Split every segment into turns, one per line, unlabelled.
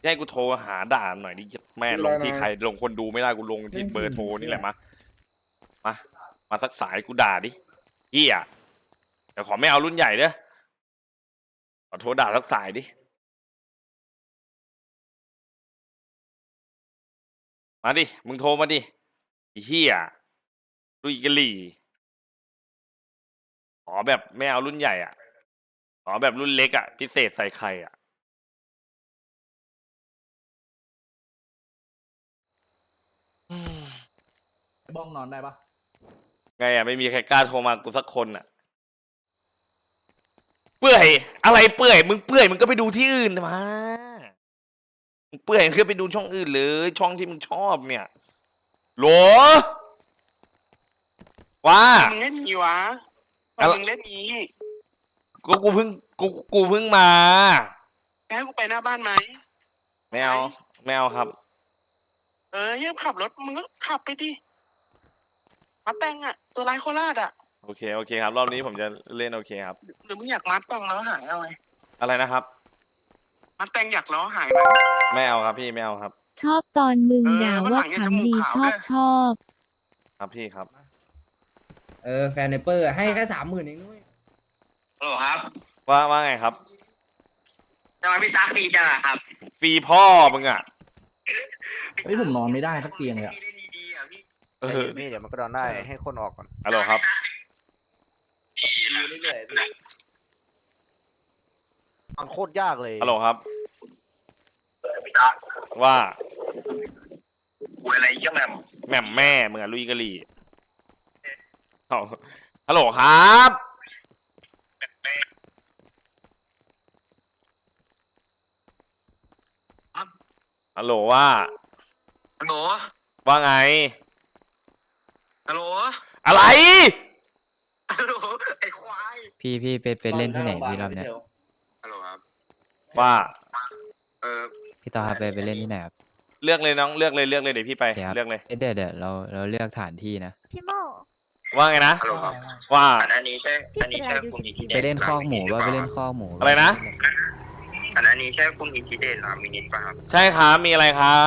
ให้กูโทรหาด่าหน่อยดิแม่ลงที่ใครลงคนดูไม่ได้กูลงที่เบอร์โทรนี่แหละมาสักสายกูด่าดิเฮียแต่ขอไม่เอารุ่นใหญ่เด้อขอโทรด่าสักสายดิมาดิมึงโทรมาดิเฮียลุยกะหลี่ขอแบบไม่เอารุ่นใหญ่อ่ะขอแบบรุ่นเล็กอ่ะพิเศษใส่ไข่อ่ะ
บ้องนอนได้ปะ
ไงอ่ะไม่มีใครกล้าโทรมากูสักคนอ่ะเปื่อยอะไรเปื่อยมึงเปื่อยมึงก็ไปดูที่อื่นมามึงเปื่อยมึงก็ไปดูช่องอื่นเลยช่องที่มึงชอบเนี่ยโหลว่า
มึงเล่นนี้วะมึงเล่นนี้
กูเพิ่งมา
ให้กูไปหน้าบ้านไหม
ไม่เอาครับ
ยังขับรถมึงก็ขับไปดิมาแต่งอ่ะตัวร้ายโคราชอ่ะ
โอเคครับรอบนี้ผมจะเล่นโอเคครับ
หรือมึงอยากมัดแต่งแล้วหายเอาไง
อะไรนะครับ
มัดแต่งอยากล้อหายไหม
ไม่เอาครับพี่ไม่เอาครับ
ชอบตอนมึงด่าว่าขำดีชอบ
ครับพี่ครับ
แฟนเนเปอร์ให้แค่30,000เองด้วย
โอ้ครับ
ว่าไงครับ
จะมาพี่ซักฟรีจังอะครับ
ฟรีพ่อมึงอ่ะ
เฮ้ยผมนอนไม่ได้สักเตียงเลยอะ
พี่เล่นดีๆอ่ะพี่
พี่เดี๋ยวมันก็โดนได้ให้คนออกก่อน
ฮัลโหลครับ
เรื่อยๆมันโคตรยากเลย
ฮัลโหลครับ ว่า
กูอะไรเยี่ยมแม่
แหม่มแม่มึงอะลุยกะหรี่เอาฮัลโหลครับฮัลโหลว่า
ฮัลโหล
ว่าไง
ฮัลโหล
อะไร
ฮัลโหลไอ้ควาย
พี่ไปเล่นที่ไหนพี่รอบเนี้ย
ฮัลโหลครับ
ว่า
พี่ต่อครับไปเล่นที่ไหนครับ
เลือกเลยน้องเลือกเลยเดี๋ยวพี่ไป
โอเคครับ
เลือกเลย
เดี๋ยวเราเลือกฐานที่นะ
พี่โม
ว่าไงนะ
ฮัลโหลครับ
ว่า
อันนี้ใช่คุณอินทิเด
ไปเล่นคอกหมูป่ะไปเล่นคอกหมู
อะไรนะ
อันนี้ใช่คุณอินทิเดนมินิป่ะครับ
ใช่ครับมีอะไรครับ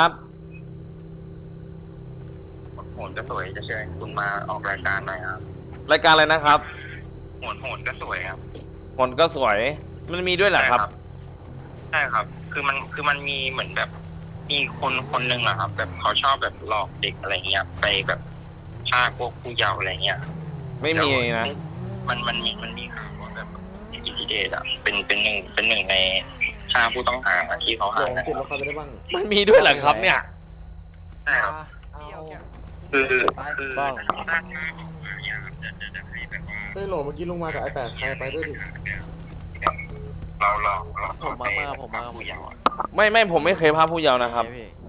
โหนก็สวยจะเชิญคุณมาออกรายการหน่อยครับ
รายการอะไรนะครับ
โหนก็สวยครับ
คนก็สวย มันมีด้วยเหรอครับ
ใช่ครับ คือมันมีเหมือนแบบ มีคนหนึ่งอะครับ แบบเขาชอบแบบหลอกเด็กอะไรเงี้ย ไปแบบฆ่าพวกผู้เยาว์อะไรเงี้ย
ไม่มีนะ
มันมีข่าวว่าแบบอินทิเดตอะเป็นหนึ่งในฆ่าผู้ต้องหาที่เขาหานะ
มันมีด้วยเหรอครับเนี่ย
ใช่ครับคือถ้าออกมาเนี่ยครับจะให้แบบว่า
เฮ้ยโหลเมื่อกี้ลุงมากับไอ้แปดใครไปด้วยดิ
เรา
ผมมา
ผู้เยาว์อะ
ไม่ผมไม่เคยพาผู้เยาว์นะครับ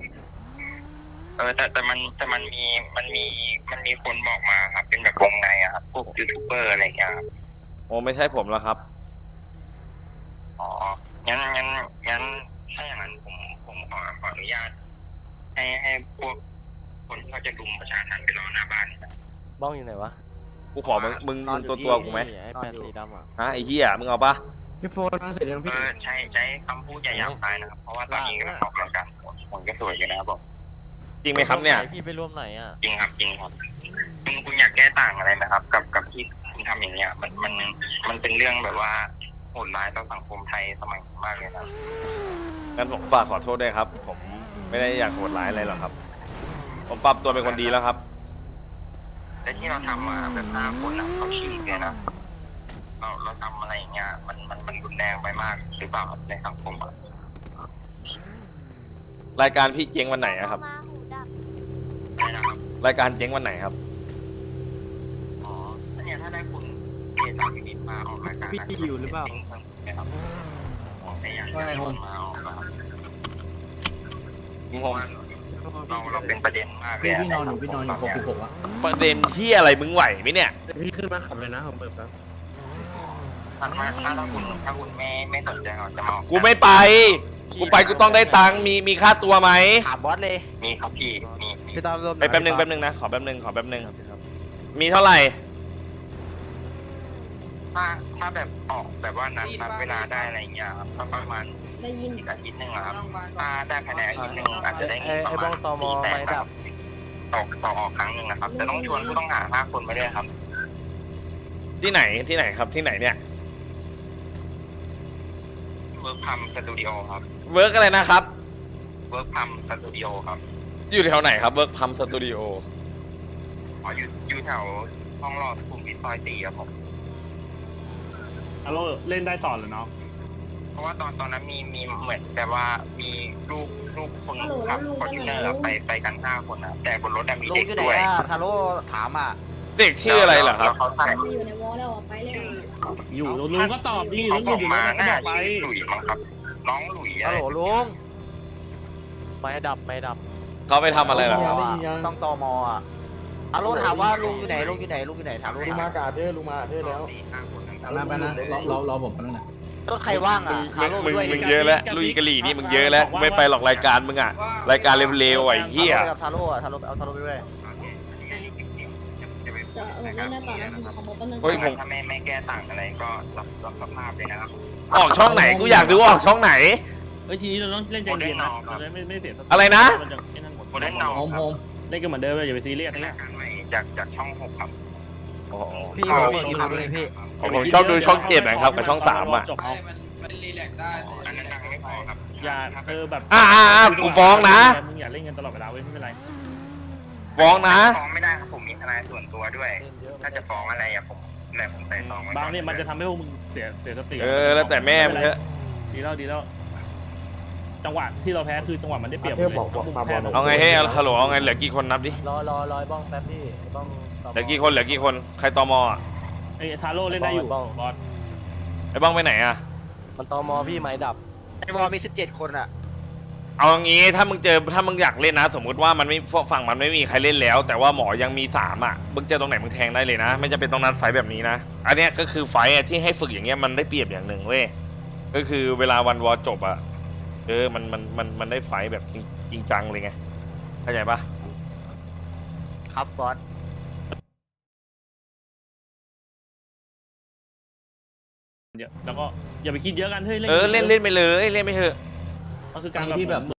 แต่มันมีคนบอกมาครับ เป็นแบบวงในอะครับพวกยูทูบเบอร์อะไรเงี้ยครับ
โอ้ไม่ใช่ผมแล้วครับ
อ๋องั้นถ้าอย่างนั้นผมขออนุญาต ให้พวกคนที่เขาจะรุมประชาชนไปรอหน้าบ้านนะ
บ้องอยู่ไหนวะ
กูขอมึงตัวกูไหม
ไอ้แปดสีดำอ่ะ
ฮะไอ้เหี้ยมึงเอาปะ
พี่โฟนเสร็จยังพี่
ใช้คำพูดอย่าหยาบคายนะครับ เพราะว่าตอนนี้กำลังออกรายการผมก็สวยอยู่นะครับบอก
จริงไหมครับเนี่ย
พี่ไปร่วมไหนอ่ะ
จริงครับคุณอยากแก้ต่างอะไรนะครับ กับที่คุณทำอย่างเงี้ยมันเป็นเรื่องแบบว่าโหดร้ายต่อสังคมไทยสมัยนี้มากเลยนะ
งั้นผมฝากขอโทษด้วยครับ ผมไม่ได้อยากโหดร้ายอะไรหรอกครับ ผมปรับตัวเป็นคนดีแล้วครับ
แต่ที่เราทำมาแบบ5 คนเขาฉีกเลยนะเราทำอะไรอย่างเงี้ยมันรุนแรงไปมากหรือเปล่าในสังคมอ่ะ
รายการพี่เจ๊งวันไหนอะครับ
ใช่นะครับ
รายการเจ๊งวันไหนครับ
อ๋อเนี่ยถ้าได้คุณเอตามพินิจมาออกรายการพี่อยู่หรือเปล่าครับไม่อยากให้คนมาออกนะครับเพราะว่าเราเป็นประเด็นมากเลย
พี่นอนอยู่66อะ
ประเด็นที่อะไรมึงไหวไหมเนี่ย
พี่ขึ้นมาขับเลยนะผมเปิดแล้ว
ถ้าคุณไม่สนใจเราจะมาออก
กูไม่ไป กูไปกูต้องได้ตังค์มีค่าตัวไหม
ถามบอสเลย
มีครับพี่มี
พี่ตามรวม
ไปแป๊บนึงนะขอแป๊บนึงมีเท่าไหร่
ถ้าแบบออกแบบว่านัดเวลาได้อะไรเงี้ยครับก็ประมาณ
ได้ยิน
อีกอาทิตย์หนึ่งอะครับถ้าได้ภายในอาทิตย์หนึ่งอาจจะได้เงินประ
ไอ้
มา
บ้
ณ
องตม
4-8
ไม่ดับ
ต่อออกครั้งหนึ่งนะครับแต่ต้องชวนผู้ต้องหา5 คนมาด้วยครับ
ที่ไหนครับที่ไหนเนี่ย
เวิร์กพัมสตูดิโอครับ
เวิร์กอะไรนะครับ
เวิร์กพัมสตูดิโอครับ
อยู่แถวไหนครับเวิร์กพัมสตูดิโอ
อ๋ออยู่แถวห้องรอสุขุมวิทซอย4ครับผม
ฮัลโหลเล่นได้ต่อเหรอเนาะ
เพราะว่าตอนนั้นมีเหมือนแต่ว่ามีลูกคนขับฟอร์จูเนอร์ไปกัน5 คนนะแต่บนรถมี
ลุง
เด็ก
อยู่ไหน
ด้วย
อ่ะทาโร่ถามอ่ะ
เด็กชื่ออะไรเหรอครับ
แล้วเขาใส่
อยู่ในวอลแล้วไปเลย
อยู่ลุงก็ตอบดิ
เขา
ลุง
บ
อ
อยู่ ก
อยู่
มา
แล้วก็
น่า
บอกไป
ชื่อหลุยมั้งครับ น้องหลุยอะ
ฮัล
ไร
โหลลุงไม่ดับไม่ดับ
เขาไปทำอะไรเหรอครับ
ต้องตมอ่ะฮัลโหลถามว่าลุงอยู่ไหนลุงอยู่ไหนลุงอยู่ไหนถามลุง
ลุง
ถาม
มากาเธอลุงมาเธอแล้ว
4-5 คนนะครับ
มานะรอผมกันนะ
รถใครว่างอ่ะฮัลโหล
มึง
ด้วย
มึงเยอะแล้วลุยกะหรี่นี่มึงเยอะแล้วกูไม่ไปหรอกรายการมึงอะรายการเร็วๆไอ้เหี้ย
ทาโร่อ่ะทาโร่เอาทาโร่ไปด้วย
จะผมเล่นได้ต่อนะผมขอบอกแป๊บนึง
เฮ้ยผม
ถ้าไม่แก้ต่างอะไรก็รับสภาพเลยนะครับ
ออกช่องไหนกูอยากดูออกช่องไหน
เอ้ยทีนี้เราต้องเล่นใจเย็นนะเราไม่เสียสติ
อะไรนะ
มัจไอ้นั่นหมด
โมเดลนอ
โฮม
ค
โฮ
รับ
ม
เล่นกันเหมือนเดิมเลยอย่าไปซีเรียส
เป็น
นะ
รายการใหม่จากช่อง 6 ครับ
อ๋อ
พี่
เอา
ผมมีคนเลยพี่
ผมชอบดูช่อง7นะครับกับช่อง3อะ
จบเอา
อันนั้นดังไม่พอครับ
อย่าแบบ
กูฟ้องนะ
มึงอย่าเล่นกันตลอดเวลาเว้ยไม่เป็นไร
ฟ้องนะ
ฟ้องไม่ได้ครับผมมีทนายส่วนตัวด้วย ถ้าจะฟ้องอะไรอะผมใส่ซองไว้ก่
บางเนี่ยมันจะทำให้พวกมึงเสียสติ
แล้วแต่แม่มึงเถอะ
ดีแล้วจังหวะที่เราแพ้คือจังหวะมันได้เปรียบ
เทพบอกมาบอล
เอาไงให้ฮัลโหลเอาไงเหลือกี่คนนับดิ
รอบ้องแป๊บพี่บ้อง
เหลือกี่คนใครตมอ่ะ
ไอ้ทาโร่เล่นได้อยู่บอส
ไอ้บ้องไปไหนอ่ะ
มันตมพี่ไม้ดับไอ้วอมี17 คนอ่ะ
เอางี้ถ้ามึงอยากเล่นนะ สมมุติว่ามันไม่ฝั่งมันไม่มีใครเล่นแล้ว แต่ว่าหมอยังมี3อ่ะมึงเจอตรงไหนมึงแทงได้เลยนะ ไม่จำเป็นต้องนัดไฟแบบนี้นะอันเนี้ยก็คือไฟที่ให้ฝึกอย่างเงี้ยมันได้เปรียบอย่างหนึ่งเว้ยก็คือเวลาวันวอจบอ่ะมันได้ไฟแบบจริงจังเลยไงเข้าใจปะ
ครับบอส
เดี๋ยวแล้วก็อย่าไปคิดเยอะกันเฮ้ย
เล่นไปเลยเล่นไปเถอะ
ก็คือการแบบ